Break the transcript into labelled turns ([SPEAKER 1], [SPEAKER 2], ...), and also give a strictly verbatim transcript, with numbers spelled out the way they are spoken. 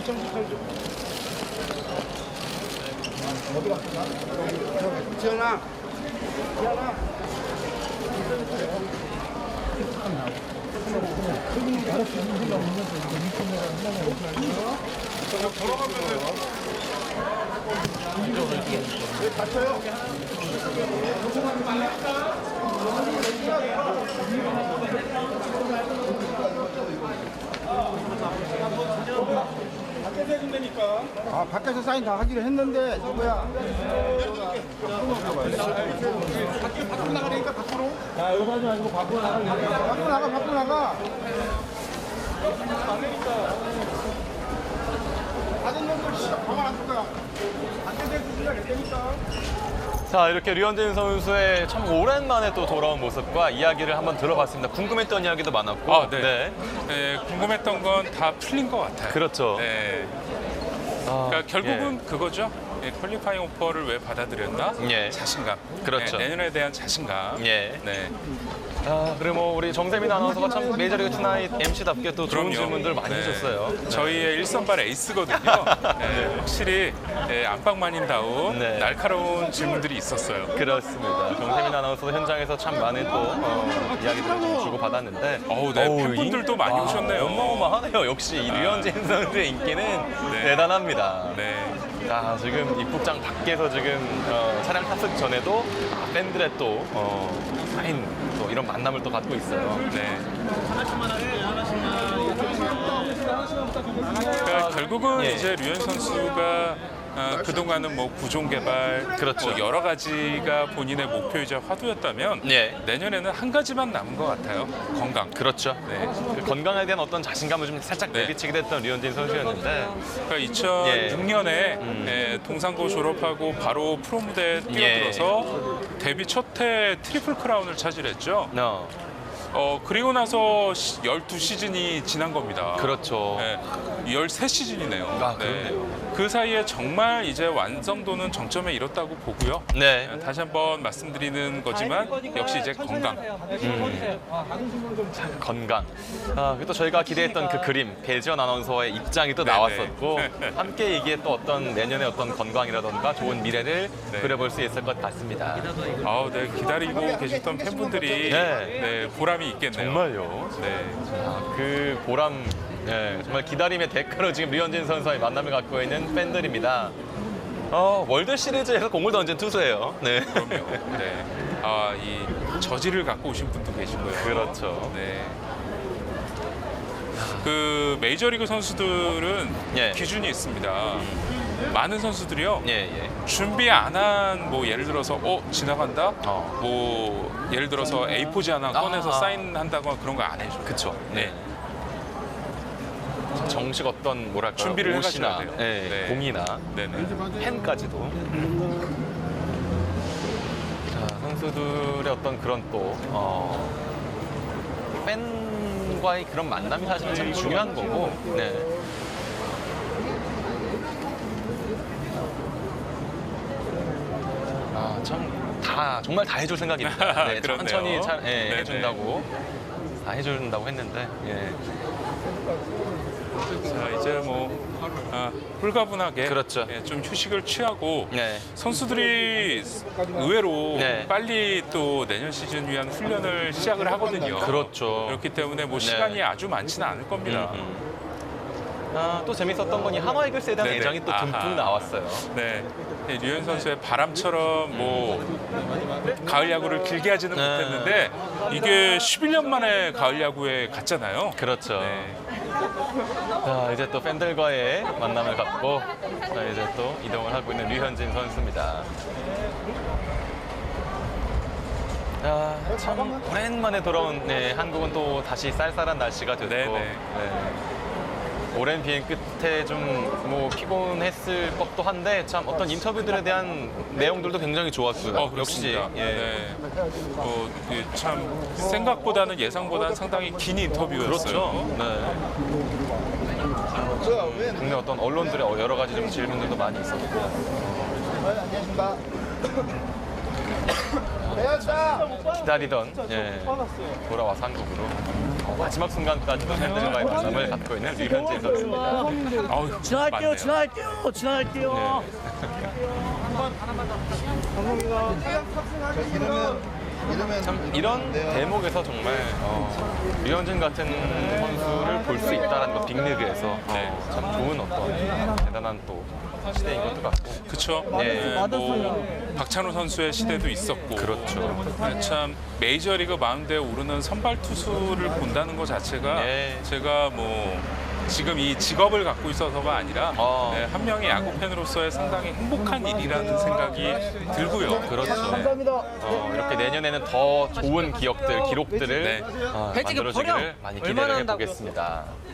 [SPEAKER 1] 어디 갔어? 저기 지현아. 지현아. 왜 다쳐요? 밖에서 해준다니까. 아, 밖에서 사인 다 하기로 했는데, 뭐야. 밖에, 밖으로 나가니까, 밖으로. 야, 여기 하지 말고 밖으로 나가. 밖으로 나가, 밖으로 나가. 안 되니까. 다른 놈들 진짜 가만 안 둘 거야. 밖에서 해주려고 했다니까.
[SPEAKER 2] 자, 이렇게 류현진 선수의 참 오랜만에 또 돌아온 모습과 이야기를 한번 들어봤습니다. 궁금했던 이야기도 많았고.
[SPEAKER 3] 아, 네. 네, 궁금했던 건 다 풀린 것 같아요.
[SPEAKER 2] 그렇죠.
[SPEAKER 3] 네.
[SPEAKER 2] 아,
[SPEAKER 3] 그러니까 결국은 그거죠. 예, 퀄리파잉 오퍼를 왜 받아들였나?
[SPEAKER 2] 예.
[SPEAKER 3] 자신감.
[SPEAKER 2] 그렇죠.
[SPEAKER 3] 네, 내년에 대한 자신감.
[SPEAKER 2] 예.
[SPEAKER 3] 네.
[SPEAKER 2] 아, 그리고 뭐 우리 정세민 아나운서가 참 메이저리그 투나잇 엠씨답게 또 좋은
[SPEAKER 3] 그럼요.
[SPEAKER 2] 질문들 많이
[SPEAKER 3] 네.
[SPEAKER 2] 해줬어요.
[SPEAKER 3] 저희의 일선발 에이스거든요. 네, 확실히 예, 안방만인다운
[SPEAKER 2] 네.
[SPEAKER 3] 날카로운 질문들이 있었어요.
[SPEAKER 2] 그렇습니다. 정세민 아나운서도 현장에서 참 많은 또 어, 이야기들을 좀 주고받았는데
[SPEAKER 3] 어우, 네.
[SPEAKER 2] 어우,
[SPEAKER 3] 팬분들도
[SPEAKER 2] 인-
[SPEAKER 3] 많이
[SPEAKER 2] 와,
[SPEAKER 3] 오셨네요.
[SPEAKER 2] 어마어마하네요. 역시 이 류현진 선수의 인기는
[SPEAKER 3] 네.
[SPEAKER 2] 대단합니다.
[SPEAKER 3] 네.
[SPEAKER 2] 자, 지금 입국장 밖에서 지금 어, 차량 탑승 전에도 팬들의 또 어, 사인 또 이런 만남을 또 갖고 있어요.
[SPEAKER 3] 네. 그러니까 결국은
[SPEAKER 2] 예.
[SPEAKER 3] 이제 류현 선수가 어, 그동안은 뭐 구종 개발,
[SPEAKER 2] 그렇죠.
[SPEAKER 3] 뭐 여러 가지가 본인의 목표이자 화두였다면
[SPEAKER 2] 예.
[SPEAKER 3] 내년에는 한 가지만 남은 것 같아요. 건강.
[SPEAKER 2] 그렇죠.
[SPEAKER 3] 네.
[SPEAKER 2] 그 건강에 대한 어떤 자신감을 좀 살짝
[SPEAKER 3] 네.
[SPEAKER 2] 내비치게 됐던 류현진 선수였는데
[SPEAKER 3] 그러니까 이천육 년에
[SPEAKER 2] 음.
[SPEAKER 3] 예, 동상고 졸업하고 바로 프로 무대에 뛰어들어서 데뷔 첫 해 트리플 크라운을 차지했죠.
[SPEAKER 2] 어,
[SPEAKER 3] 어, 그리고 나서 시- 열두 시즌이 지난 겁니다.
[SPEAKER 2] 그렇죠.
[SPEAKER 3] 네, 열세 시즌이네요.
[SPEAKER 2] 아, 그렇네요.
[SPEAKER 3] 그 사이에 정말 이제 완성도는 정점에 이뤘다고 보고요.
[SPEAKER 2] 네.
[SPEAKER 3] 네, 다시 한번 말씀드리는 거지만 역시 이제 건강.
[SPEAKER 2] 건강. 아, 그리고 또 저희가 기대했던 그 그림, 배지원 아나운서의 입장이 또
[SPEAKER 3] 네네.
[SPEAKER 2] 나왔었고 함께 이게 또 어떤 내년의 어떤 건강이라던가 좋은 미래를
[SPEAKER 3] 네.
[SPEAKER 2] 그려볼 수 있을 것 같습니다.
[SPEAKER 3] 아우, 네, 기다리고 계셨던 팬분들이
[SPEAKER 2] 네.
[SPEAKER 3] 네, 보람이 있겠네요.
[SPEAKER 2] 정말요.
[SPEAKER 3] 네.
[SPEAKER 2] 아, 그 보람, 예, 정말 기다림의 대가로 지금 류현진 선수와의 만남을 갖고 있는 팬들입니다. 어, 월드 시리즈에서 공을 던진 투수예요. 네.
[SPEAKER 3] 그럼요. 네. 아, 이 저지를 갖고 오신 분도 계시고요.
[SPEAKER 2] 그렇죠.
[SPEAKER 3] 네. 그 메이저리그 선수들은
[SPEAKER 2] 예.
[SPEAKER 3] 기준이 있습니다. 많은 선수들이요.
[SPEAKER 2] 예, 예.
[SPEAKER 3] 준비 안 한 뭐 예를 들어서 어 지나간다.
[SPEAKER 2] 어.
[SPEAKER 3] 뭐 예를 들어서 에이 포지 하나 꺼내서
[SPEAKER 2] 아.
[SPEAKER 3] 사인한다거나 그런 거 안 해줘.
[SPEAKER 2] 그쵸.
[SPEAKER 3] 네.
[SPEAKER 2] 정식 어떤 뭐랄까
[SPEAKER 3] 준비를
[SPEAKER 2] 옷이나
[SPEAKER 3] 해가셔야 돼요.
[SPEAKER 2] 예,
[SPEAKER 3] 네.
[SPEAKER 2] 공이나
[SPEAKER 3] 네네.
[SPEAKER 2] 펜까지도. 자, 선수들의 어떤 그런 또 어, 팬과의 그런 만남이 사실은 참 중요한 거고. 네. 아, 참 다 정말 다 해줄 생각입니다. 네,
[SPEAKER 3] 그렇네요.
[SPEAKER 2] 천천히 차, 예,
[SPEAKER 3] 네네.
[SPEAKER 2] 해준다고 다 해준다고 했는데. 예.
[SPEAKER 3] 자 이제 뭐 아, 홀가분하게
[SPEAKER 2] 그렇죠.
[SPEAKER 3] 예, 좀 휴식을 취하고
[SPEAKER 2] 네.
[SPEAKER 3] 선수들이 의외로
[SPEAKER 2] 네.
[SPEAKER 3] 빨리 또 내년 시즌 위한 훈련을 시작을 하거든요.
[SPEAKER 2] 그렇죠.
[SPEAKER 3] 그렇기 때문에 뭐
[SPEAKER 2] 네.
[SPEAKER 3] 시간이 아주 많지는 않을 겁니다.
[SPEAKER 2] 음, 음. 아, 또 재밌었던 건 이 한화 이글스에 대한
[SPEAKER 3] 네네.
[SPEAKER 2] 애정이 또 듬뿍
[SPEAKER 3] 아하.
[SPEAKER 2] 나왔어요.
[SPEAKER 3] 네, 네, 류현 선수의 바람처럼 뭐 가을 야구를 길게 하지는
[SPEAKER 2] 네.
[SPEAKER 3] 못했는데 이게 십일 년 만에 가을 야구에 갔잖아요.
[SPEAKER 2] 그렇죠.
[SPEAKER 3] 네.
[SPEAKER 2] 자, 이제 또 팬들과의 만남을 갖고 자, 이제 또 이동을 하고 있는 류현진 선수입니다. 아, 참 오랜만에 돌아온 네, 한국은 또 다시 쌀쌀한 날씨가 됐고
[SPEAKER 3] 네네.
[SPEAKER 2] 네. 오랜 비행 끝에 좀 뭐 피곤했을 법도 한데 참 어떤 인터뷰들에 대한 내용들도 굉장히 좋았어요.
[SPEAKER 3] 어,
[SPEAKER 2] 역시
[SPEAKER 3] 그렇습니다.
[SPEAKER 2] 예.
[SPEAKER 3] 네. 어, 이게 참 생각보다는 예상보다는 상당히 긴 인터뷰였어요.
[SPEAKER 2] 그렇죠. 네. 국내 어떤 언론들의 여러 가지 좀 질문들도 많이 있었고.
[SPEAKER 1] 안녕하십니까.
[SPEAKER 2] 기다리던 예, 돌아와서 한국으로. 어, 마지막 순간까지도 팬들과의 만남을 갖고 있는 류현진 선수입니다.
[SPEAKER 3] 아우,
[SPEAKER 4] 지나갈게요,
[SPEAKER 3] 맞네요.
[SPEAKER 4] 지나갈게요, 지나갈게요.
[SPEAKER 2] 참 이런 대목에서 정말 어, 류현진 같은 선수를 볼 수 있다는 것, 빅리그에서
[SPEAKER 3] 네.
[SPEAKER 2] 어, 참 좋은 어떤 대단한 또 시대인 것도 같고.
[SPEAKER 3] 그쵸.
[SPEAKER 2] 네.
[SPEAKER 3] 네, 뭐 박찬호 선수의 시대도 있었고.
[SPEAKER 2] 그렇죠.
[SPEAKER 3] 네, 참 메이저리그 마운드에 오르는 선발 투수를 본다는 것 자체가
[SPEAKER 2] 네.
[SPEAKER 3] 제가 뭐 지금 이 직업을 갖고 있어서가 아니라
[SPEAKER 2] 어.
[SPEAKER 3] 네, 한 명의 야구 팬으로서의 상당히 행복한 일이라는 생각이 들고요.
[SPEAKER 2] 그렇죠.
[SPEAKER 4] 감사합니다.
[SPEAKER 2] 어, 이렇게 내년에는 더 좋은 기억들, 기록들을
[SPEAKER 3] 네.
[SPEAKER 2] 어,
[SPEAKER 4] 배지기
[SPEAKER 2] 만들어주기를
[SPEAKER 4] 버려.
[SPEAKER 2] 많이
[SPEAKER 4] 얼마나
[SPEAKER 2] 기대를
[SPEAKER 4] 한다고요?
[SPEAKER 2] 해보겠습니다.